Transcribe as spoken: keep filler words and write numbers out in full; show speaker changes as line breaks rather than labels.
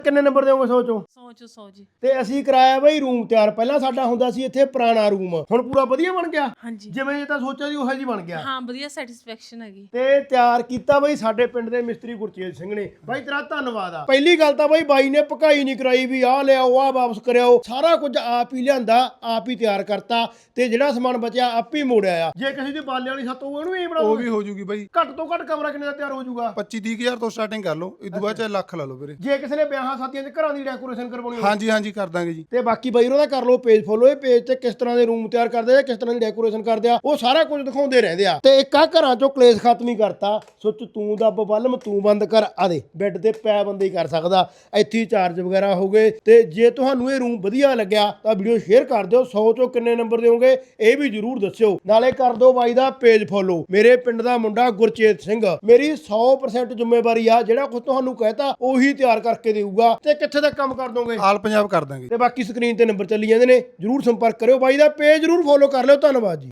ਕਿੰਨੇ ਨੰਬਰ ਦੇਵੋਗੇ ਸੌ ਚੋਂ?
ਸੌ ਚੋਂ ਸੌ ਜੀ।
ਤੇ ਅਸੀਂ ਕਰਾਇਆ ਬਈ ਰੂਮ ਤਿਆਰ। ਪਹਿਲਾਂ ਸਾਡਾ ਹੁੰਦਾ ਸੀ ਇੱਥੇ ਪੁਰਾਣਾ ਰੂਮ, ਹੁਣ ਪੂਰਾ ਵਧੀਆ ਬਣ ਗਿਆ।
ਹਾਂਜੀ
ਜਿਵੇਂ ਇਹ ਤਾਂ ਸੋਚਿਆ ਸੀ ਉਹੋ ਜੀ ਬਣ ਗਿਆ।
ਹਾਂ ਵਧੀਆ ਸੈਟੀਸਫੈਕਸ਼ਨ ਹੈਗੀ।
ਤੇ ਤਿਆਰ ਕੀਤਾ ਬਈ ਸਾਡੇ ਪਿੰਡ ਦੇ ਮਿਸਤਰੀ ਗੁਰਚੇਤ ਸਿੰਘ ਨੇ। ਬਾਈ ਤੇਰਾ ਧੰਨਵਾਦ ਆ। ਪਹਿਲੀ ਗੱਲ ਤਾਂ ਬਈ ਬਾਈ ਨੇ ਭਕਾਈ ਨਹੀਂ ਕਰਾਈ ਵੀ ਆਹ ਲਿਆਓ ਆਹ ਵਾਪਸ ਕਰਿਓ, ਸਾਰਾ ਕੁਝ ਆਪ ਹੀ ਲਿਆਂਦਾ, ਆਪ ਹੀ ਤਿਆਰ ਕਰਤਾ ਤੇ ਜਿਹੜਾ ਸਮਾਨ ਬਚਿਆ ਆਪ ਹੀ ਮੋੜਿਆ ਆ। ਜੇ ਕਿਸੇ ਦੀ ਬਾਲੇ ਵਾਲੀ ਛੱਤ ਹੋਊ ਉਹਨੂੰ ਵੀ ਬਣਾਓ,
ਉਹ ਵੀ ਹੋ ਜੂਗੀ ਬਾਈ।
ਘੱਟ ਤੋਂ ਘੱਟ ਕਮਰਾ ਕਿੰਨੇ ਦਾ ਤਿਆਰ ਹੋ ਜਾਊਗਾ?
ਪੱਚੀ ਤੀਹ ਹਜ਼ਾਰ ਤੋਂ ਸਟਾਰਟਿੰਗ ਕਰ ਲਓ, ਇਦੋਂ ਬਾਅਦ ਚਾਹੇ ਲੱਖ ਲਾ ਲਓ ਵੀਰੇ।
ਜੇ ਕਿਸੇ ਨੇ ਵਿਆਹਾਂ ਸ਼ਾਦੀਆਂ 'ਚ ਘਰਾਂ ਦੀ ਡੈਕੋਰੇਸ਼ਨ ਕਰਵਾਉਣੀ ਹੋਵੇ?
ਹਾਂਜੀ ਹਾਂਜੀ ਕਰ ਦਾਂਗੇ ਜੀ।
ਤੇ ਬਾਕੀ ਬਾਈ ਉਹਨਾਂ ਦਾ ਕਰ ਲਓ ਪੇਜ ਫੋਲੋ। ਇਹ ਪੇਜ ਤੇ ਕਿਸ ਤਰ੍ਹਾਂ ਦੇ ਰੂਮ ਤਿਆਰ ਕਰਦੇ ਆ, ਕਿਸ ਤਰ੍ਹਾਂ ਦੀ ਡੈਕੋਰੇਸ਼ਨ ਕਰਦੇ ਆ, ਉਹ ਸਾਰਾ ਕੁਝ ਦਿਖਾਉਂਦੇ ਰਹਿੰਦੇ ਆ। ਤੇ ਇੱਕ ਆ ਘਰਾਂ ਚੋਂ ਕਲੇਸ਼ ਖਤਮ ਹੀ ਕਰਤਾ। ਸੁੱਚ ਤੂੰ ਦੱਬ ਬਲਮ ਤੂੰ ਬੰਦ ਕਰ, ਆ ਦੇ ਬੈੱਡ ਤੇ ਪੈ ਬੰਦੇ ਹੀ ਕਰ ਸਕਦਾ, ਇੱਥੇ ਹੀ ਚਾਰਜ ਵਗੈਰਾ ਹੋ ਗਏ। ਤੇ ਜੇ ਤੁਹਾਨੂੰ ਇਹ ਰੂਮ ਵਧੀਆ ਲੱਗਿਆ ਤਾਂ ਵੀਡੀਓ ਸ਼ੇਅਰ ਕਰ ਦਿਓ। ਸੌ ਚੋਂ ਕਿੰਨੇ ਨੰਬਰ ਦਿਓਗੇ ਇਹ ਵੀ ਜਰੂਰ ਦੱਸਿਓ। ਨਾਲੇ ਕਰ ਦਿਓ ਬਾਈ ਦਾ ਪੇਜ ਫੋਲੋ। ਮੇਰੇ ਪਿੰਡ ਦਾ ਮੁੰਡਾ ਗੁਰਚੇਤ ਸਿੰਘ, ਮੇਰੀ ਸੌ ਪਰਸੈਂਟ ਜ਼ਿੰਮੇਵਾਰੀ ਆ, ਜਿਹੜਾ ਕੁਝ ਤੁਹਾਨੂੰ ਕਹਿਤਾ ਉਹੀ ਤਿਆਰ ਕਰਕੇ ਦੇਊਗਾ। ਤੇ ਕਿੱਥੇ ਤੱਕ ਕੰਮ ਕਰ ਦੋਗੇ?
ਆਲ ਪੰਜਾਬ ਕਰ ਦਾਂਗੇ।
ਤੇ ਬਾਕੀ ਸਕਰੀਨ ਤੇ ਨੰਬਰ ਚੱਲੀ ਜਾਂਦੇ ਨੇ, ਜਰੂਰ ਸੰਪਰਕ ਕਰਿਓ। ਬਾਈ ਦਾ ਪੇਜ ਜਰੂਰ ਫੋਲੋ ਕਰ ਲਿਓ। ਧੰਨਵਾਦ ਜੀ।